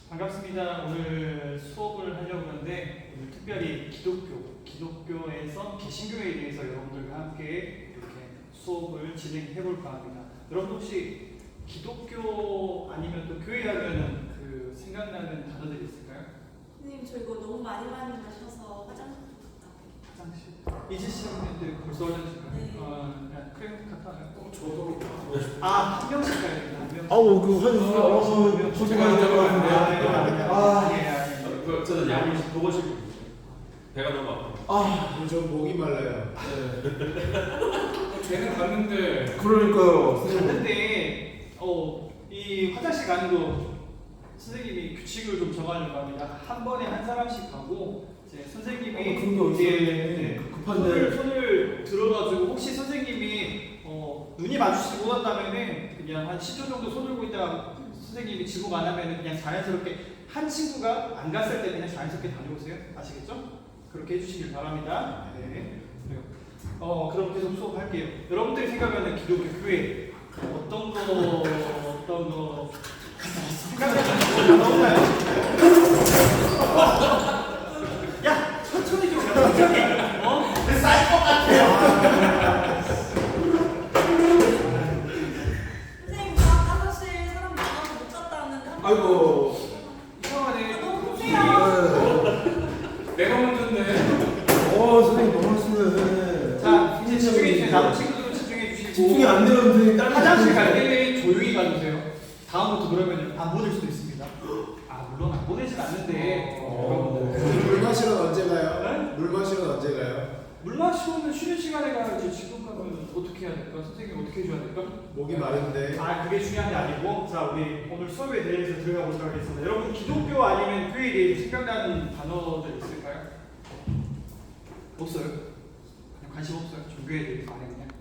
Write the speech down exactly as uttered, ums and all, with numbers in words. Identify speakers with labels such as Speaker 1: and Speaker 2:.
Speaker 1: 반갑습니다. 오늘 수업을 하려고 하는데 오늘 특별히 기독교, 기독교에서 개신교에 대해서 여러분들과 함께 이렇게 수업을 진행해 볼까 합니다. 여러분 혹시 기독교 아니면 또 교회 하면은 그 생각나는 단어들이 있을까요?
Speaker 2: 선생님 저 이거 너무 많이 많이 마셔서 화장실 갔다
Speaker 1: 화장실. 이제 시작했는데 벌써 화장실 가요?
Speaker 2: 네.
Speaker 1: 어, 그냥 그래 갔다 와요.
Speaker 3: 어, 저도
Speaker 1: 아, 한 명씩 가야 되나? 한 명씩.
Speaker 4: 아우 그 화장실
Speaker 1: 어,
Speaker 4: 어,
Speaker 1: 어,
Speaker 4: 고생하셨다고
Speaker 1: 아,
Speaker 4: 하는데
Speaker 1: 아,
Speaker 4: 아,
Speaker 1: 예, 예.
Speaker 3: 그, 저는 양이 보고 싶고 배가 너무 아파.
Speaker 4: 아
Speaker 5: 저 목이 말라요.
Speaker 3: 쟤는 갔는데
Speaker 4: 그러니까요.
Speaker 1: 갔는데 어, 이 화장실 가는 거 선생님이 규칙을 좀 정하려고 합니다. 한 번에 한 사람씩 가고 이제 선생님이
Speaker 4: 어, 그런 게 어딨어요?
Speaker 1: 이제
Speaker 4: 급한데.
Speaker 1: 손을, 손을 들어가지고 혹시 선생님이 어, 눈이 마주치지 못한다면은 그냥 한 십 초 정도 손 들고 있다가 선생님이 지목 안 하면은 그냥 자연스럽게 한 친구가 안 갔을 때 그냥 자연스럽게 다녀오세요. 아시겠죠? 그렇게 해주시길 바랍니다. 네. 그래요. 어, 그럼 계속 수업할게요. 여러분들이 생각하는 기독교 교회 어떤 거 어떤 거 생각나는 거 나오나요? 야, 천천히 좀 해, 천천히. 어? 쌀것 같아요.
Speaker 2: 선생님 저 화장실 사람 많아서 못 갔다 왔는데 한
Speaker 4: 아이고.
Speaker 1: 이상하네.
Speaker 2: 아, 너무 크세요.
Speaker 3: 내가 먼저인데.
Speaker 4: 어 선생님 너무 하시네.
Speaker 1: 자, 이제 집중해 주세요. 남은 친구들은 집중해 주시고.
Speaker 4: 집중이 안 되는 선생님 딸
Speaker 1: 화장실 갈 때는 조용히 가주세요. 다음부터 그러면 안 보낼 수도 있습니다. 아, 물론 안 보내진 않는데
Speaker 4: 어.
Speaker 1: 여러분들.
Speaker 5: 물 마시러 언제 가요?
Speaker 1: 네?
Speaker 5: 물 마시러 언제 가요?
Speaker 1: 물 마시고는 쉬는 시간에 가야지. 지금 가면 어떻게 해야 될까? 선생님 어떻게 해줘야 될까?
Speaker 5: 목이 마른데.
Speaker 1: 아, 그게 중요한 게 아니고, 자, 우리 오늘 수업에 대해서 들어가 보도록 하겠습니다. 여러분, 기독교 아니면 교회에 대해서 생각나는 단어들 있을까요? 없어요? 그냥 관심 없어요? 종교에 대해서 아예 그냥?